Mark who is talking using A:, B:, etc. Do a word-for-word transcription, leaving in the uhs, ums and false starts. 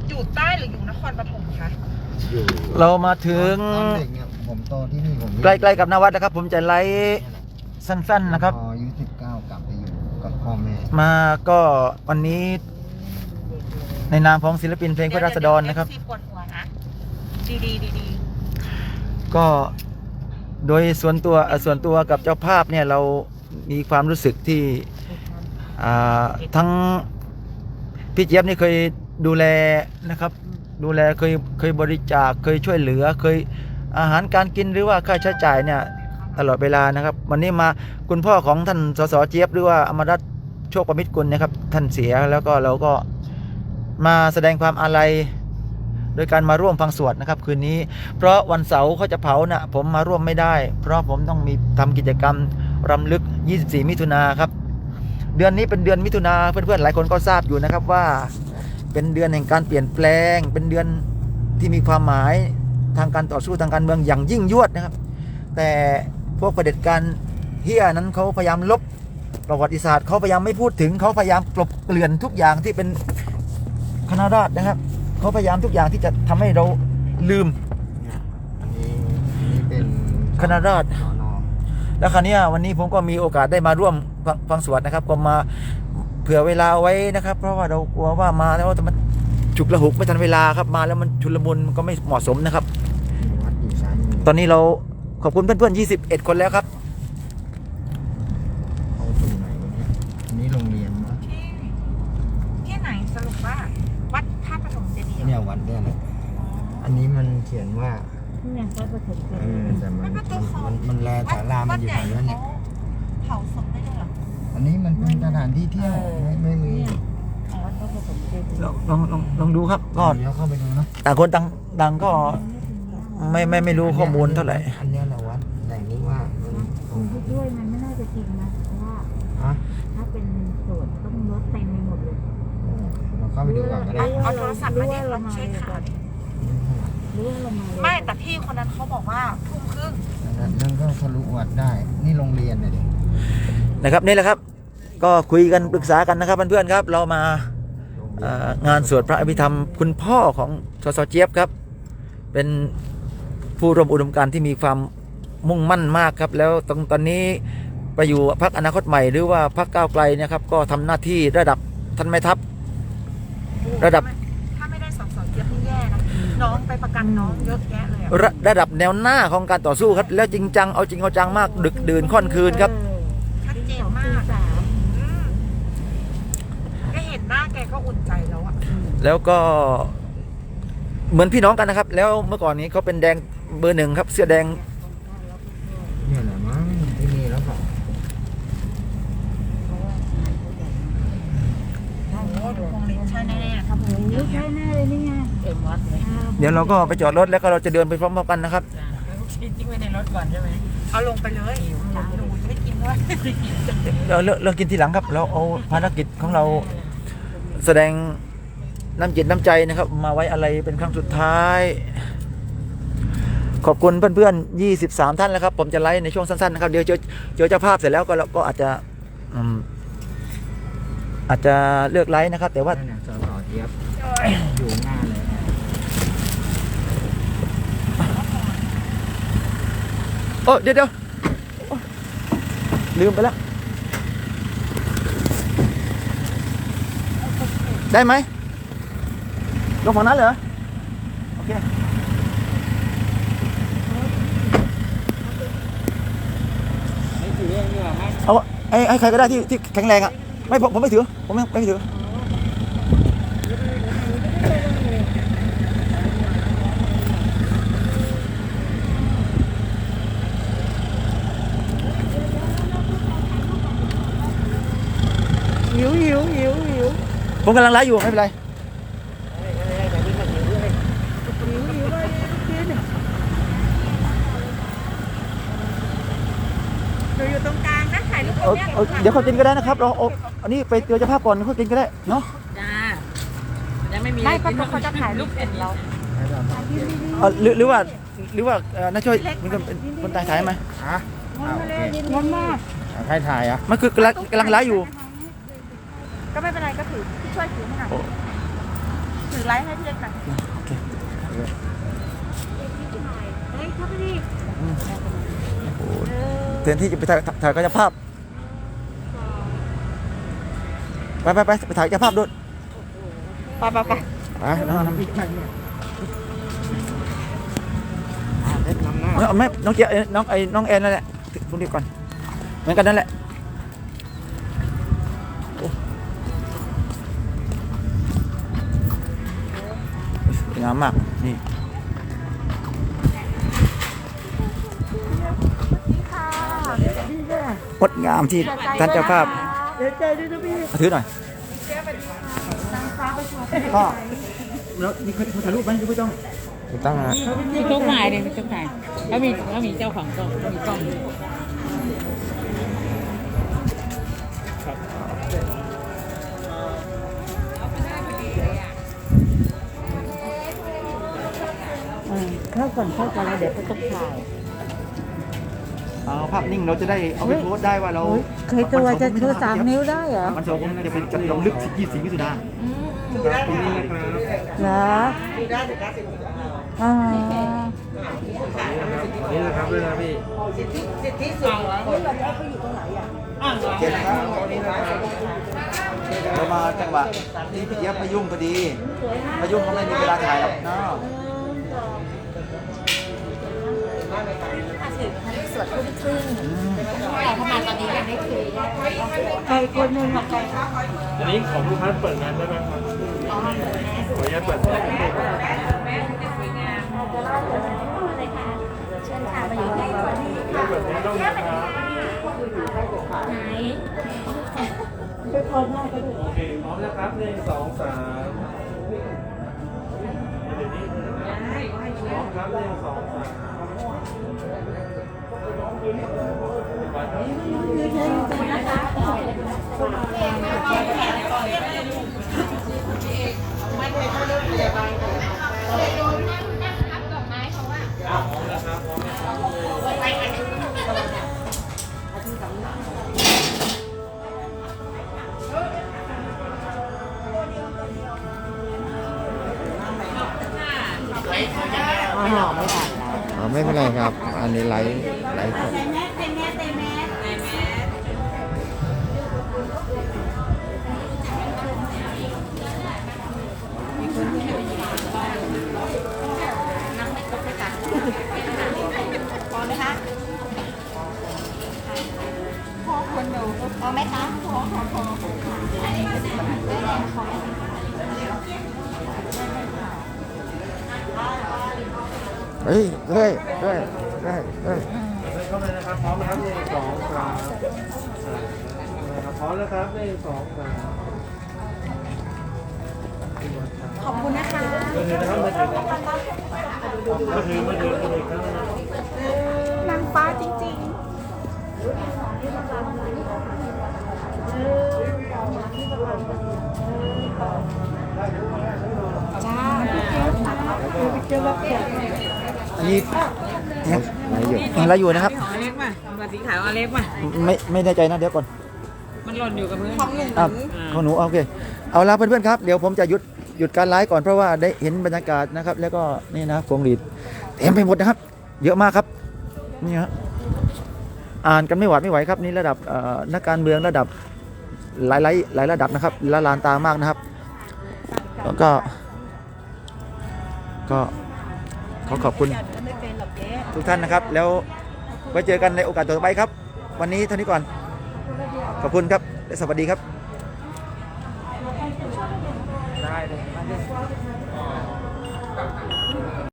A: อยู่ใต้หรืออยู่นครปฐมคะ
B: อยู่
C: เรามาถึง
B: เด็กเนี่ยผมโตที่นี่ผม
C: ใกล้ๆกับนวัดนะครับผมจะไลฟ์สั้นๆนะครับ
B: พออายุสิบเก้ากลับไปอยู่กับพ่อแม่
C: มาก็วันนี้ในนามของศิลปินเพลงเพื่อราษฎรนะครับ
A: ปวดหัวนะดีดีดีดี
C: ก็โดยส่วนตัวส่วนตัวกับเจ้าภาพเนี่ยเรามีความรู้สึกที่ทั้งพี่เจี๊ยบนี่เคยดูแลนะครับดูแลเคยเคยบริจาคเคยช่วยเหลือเคยอาหารการกินหรือว่าค่าใช้จ่ายเนี่ยตลอดเวลานะครับวันนี้มาคุณพ่อของท่านสสเจี๊ยบหรือว่าอมรรัตน์โชคประมิตรกุลนะครับท่านเสียแล้วก็เราก็มาแสดงความอาลัยโดยการมาร่วมฟังสวดนะครับคืนนี้เพราะวันเสาร์เขาจะเผานะผมมาร่วมไม่ได้เพราะผมต้องมีทำกิจกรรมรำลึกยี่สิบสี่มิถุนายนครับเดือนนี้เป็นเดือนมิถุนาเพื่อนๆหลายคนก็ทราบอยู่นะครับว่าเป็นเดือนแห่งการเปลี่ยนแปลงเป็นเดือนที่มีความหมายทางการต่อสู้ทางการเมืองอย่างยิ่งยวดนะครับแต่พวกเผด็จการเฮียนั้นเขาพยายามลบประวัติศาสตร์เขาพยายามไม่พูดถึงเขาพยายามกลบเกลื่อนทุกอย่างที่เป็นคณะราษฎรนะครับเขาพยายามทุกอย่างที่จะทำให้เราลืม
B: อันนี้นี่เป็น
C: คณะราษฎรแล้วคราวนี้วันนี้ผมก็มีโอกาสได้มาร่วมฟังสวดนะครับก็มาเผื่อเวลาไว้นะครับเพราะว่าเรากลัวว่ามาแล้วจะมันฉุกละหุกไม่ทันเวลาครับมาแล้วมันชุลมุนมันก็ไม่เหมาะสมนะครับตอนนี้เราขอบคุณเพื่อนๆยี่สิบเอ็ดคนแล้วครับ
B: เอาตรงไหนเนี่ยอันนี้โรงเรียนนะ
A: ที่ที่ไหนสรุปว่าวัดท่าปฐมเจดีย์
B: เนี่ยวัดเนี่ยแหละอันนี้มันเขียนว่า
D: เนี่ยวัดปฐมเจ
B: ดีย์แต่มันมันมันแลศาลามันอยู่ไหนวะเนี่ย
A: เผาศพได้ด้วยเหรอ
B: อันนี้มันเป็นสถานที่เที่ยวไม่ไม่มี
D: วัดปฐมเจดีย์
C: ลองลองลองลองดูครับก็
B: เดี๋ยวเข้าไปดูนะ
C: ต่างคนต่างต่างก็ไม่ไม่ไม่รู้ข้อมูลเท่าไหร่
B: อันนี้แหละวัดแต่นี้ว่า
D: คนที่ด้วยมันไม่น่าจะจริงนะเพราะว่าถ้าเป็นโสดต้องรถเต็มไปหมดเลย
B: เราเข้าไปดูก่อนก็ได้
A: เอาโทรศัพท์มาดิลองเช็คข่าวดิไม่แต่พี่คนนั้นเขาบอกว่าทุ่มครึ่ง
B: นั่นก็ทะลุวัดได้นี่โรงเรียนเลยดิ
C: นะครับนี่แหละครับก็คุยกันปรึกษากันนะครับเพื่อนๆครับเรามางานสวดพระอภิธรรมคุณพ่อของสสเจี๊ยบครับเป็นผู้ร่วมอุดมการณ์ที่มีความมุ่งมั่นมากครับแล้วตรงตอนนี้ไปอยู่พรรคอนาคตใหม่หรือว่าพรรคก้าวไกลนะครับก็ทำหน้าที่ระดับท่านแม่ทัพระดับ
A: ถ้าไม่ได้สสเจี๊ยบนี่แย่นะน้องไปประกันน้องเยอะแยะเลย
C: ระระดับแนวหน้าของการต่อสู้ครับแล้วจริงจังเอาจริงเอาจังมากดึกดื่นค่อนคืนครับ
A: ชัดเจนมากแกเห็นหน้าแกก็อุ่นใจแล้วอะ
C: แล้วก็เหมือนพี่น้องกันนะครับแล้วเมื่อก่อนนี้เขาเป็นแดงเบอร์หนึ่งครับเสื้อแดง
B: เนี่ยแหละมั้งที่นี่แล้วก็
A: ใช่แน่ๆครับผม
D: ใช่แน่เลยนี่ไงเต็มวัดเลย
C: เดี๋ยวเราก็ไปจอดรถแล้วก็เราจะเดินไปพร้อมๆกันนะครับ
A: ทิ้งไว้ในรถก่อนใช่ไหมเอาลงไปเลยหนูจะไม่กินด้วย
C: เราเลิกเลิกกินทีหลังครับเราเอาภารกิจของเราแสดงน้ำจิตน้ำใจนะครับมาไว้อะไรเป็นครั้งสุดท้ายขอบคุณเพื่อนๆยี่สิบสามท่านแล้วครับผมจะไลฟ์ในช่วงสั้นๆนะครับเดี๋ยวเจอเจอเจ้าภาพเสร็จแล้วก็ก็อาจจะอาจจะเลือกไลฟ์นะครับแต่ว่า
B: สสเจี๊ยบอยู่หน้าเลย
C: โอ้เดี๋ยวเดี๋ยวลืมไปแล้วได้ไหมลงฝั่งนั้นเหรอโอเคเอาไอ้ไอ้ใครก็ได้ที่ที่แข็งแรงอ่ะไม่ผมผมไม่ถือผมไม่ไม่ถือ
D: หิวหิวหิวหิว
C: ผมกำลังไลฟ์อยู่ไม่เป็นไร
A: หนูอยู่ตรงกลางนะถ่ายรูปตรงนี้
C: เดี๋ยวเขากินก็ได้นะครับเราอันนี้ไปเจอเจ้าภาพก่อนเขากินก็ได้เนาะ
A: จ้ายังไม่มีไม่ก็เขาจะถ่ายรูปเห็นเรา
C: หรือหรือว่าหรือว่าน้าช่วยมันเป็นคนตายถ่ายไหม
B: ฮะ
D: มันมาก
B: ใครถ่ายอ่ะ
C: มันคือกำลังกำลังไลฟ์อยู่
A: ก็ไม่เป็นไรก็ถือช่วยถือให้หน่อยถือไลฟ์ให้พี่เล็กหน่อย
C: โอเค
A: เฮ้ยเข้าไปดิ
C: อืมโอ้แทนที่จะไปถ่ายถ่ายกายภาพไปไปไปไปถ่ายกายภาพด้วย
A: ไปไปไป
C: ไปน้องน้อง
B: เล็กนำหน้า
C: เอาไม่น้องเกียร์น้องไอ้น้องแอนนั่นแหละตรงนี้ก่อนเหมือนกันนั่นแหละโอ้สวยงามมากนี่ งดงามที่ท่านเจ้าภาพ
A: เดี๋ยวเจอด้วยนะพี่
C: ถือหน่อย
A: นางฟ้าประชา
C: ก็แล้วนี่เขาถ่ายรูปไหมหรือไม่ต้องตั้งนะ
D: มีกล้องถ่ายเลยมีกล้องถ่ายแล้วมีแล้วมีเจ้าของกล้องมีกล้อง เข้าก่อนเข้าก่อนแล้วเดี๋ยวเขาต้องถ่าย
C: เอาภาพนิ่งเราจะได้เอาไปโพสต์ได้ว่าเรา
D: เคยตัวจะชูสามนิ้วได้เหรอ
C: มันสองคนจะเป็นจัดลงลึกยี่สิบมิถุนา
B: ตรงนี้นะครับ
D: เหรออ๋อ
B: นี่นะครับด้วยนะพี่
C: โอเคนะครับเรามาจังหวะที่พี่เจี๊ยบมายุ่งพอดีมายุ่งก็ไม่มีเวลาถ่ายหรอกเนาะ
A: สวดทุ่มครึ่ง
C: อืม
A: แต่ทำไมตอนนี้ยังไม่คุย
D: ใครคนหนึ่งอะใคร
B: อันนี้ของลูกค้าเปิดงานได้ไหมครับขออนุญาตเปิด
A: เชิญค่ะมาอยู่ที่คนที่
B: เปิดไม่ต้องนะครับ
A: ไหน
B: โอเคพร้อมนะครับหนึ่งสองสามพร้อมครับหนึ่งสองสาม
D: อ๋อไม่ถ่ายแล้ว
C: อ๋อไม่เป็นไรครับ อันนี้ไลฟ์ไลฟ์สด
A: พอไหมคะพอคนดูพอไหมคะพอพอพอ
C: เฮ้ยเฮ้ยเฮ้ยเฮ้ยเฮ้ย
B: เข้าไปนะครับพร้อมนะครับหนึ่งสองสามนะครับพร้อมนะครับหนึ่งสองสาม
A: ขอบคุณนะคะ
B: มือถือนะครับมือถือมือถือมือถือมือถือครับ
A: นางฟ้าจริงๆจ้าพี่เจ้าพี่เจ้ารับแขก
C: อันนี้เนี่ยอะไรอยู่นะครับ
D: ของอเล็กป่ะมาสีขาวอเล็กป่ะ
C: ไม่ไม่แน่ใจนะเดี๋ยวก่อน
D: มันหล่นอยู่กับพื้น
A: ของหนึ่ง
C: อ่ะของหนูโอเคเอาละเพื่อนๆครับเดี๋ยวผมจะหยุดหยุดการไลฟ์ก่อนเพราะว่าได้เห็นบรรยากาศนะครับ แล้วก็นี่นะพวงหรีดเต็มไปหมดนะครับ เยอะมากครับนี่ฮะอ่านกันไม่หวาดไม่ไหวครับนี่ระดับเอ่อนักการเมืองระดับหลายหลายหลายระดับนะครับละลานตามากนะครับแล้วก็ก็ขอขอบคุณทุกท่านนะครับ แล้วไว้เจอกันในโอกาสต่อไปครับ วันนี้เท่านี้ก่อนขอบคุณครับและสวัสดีครับได้เลย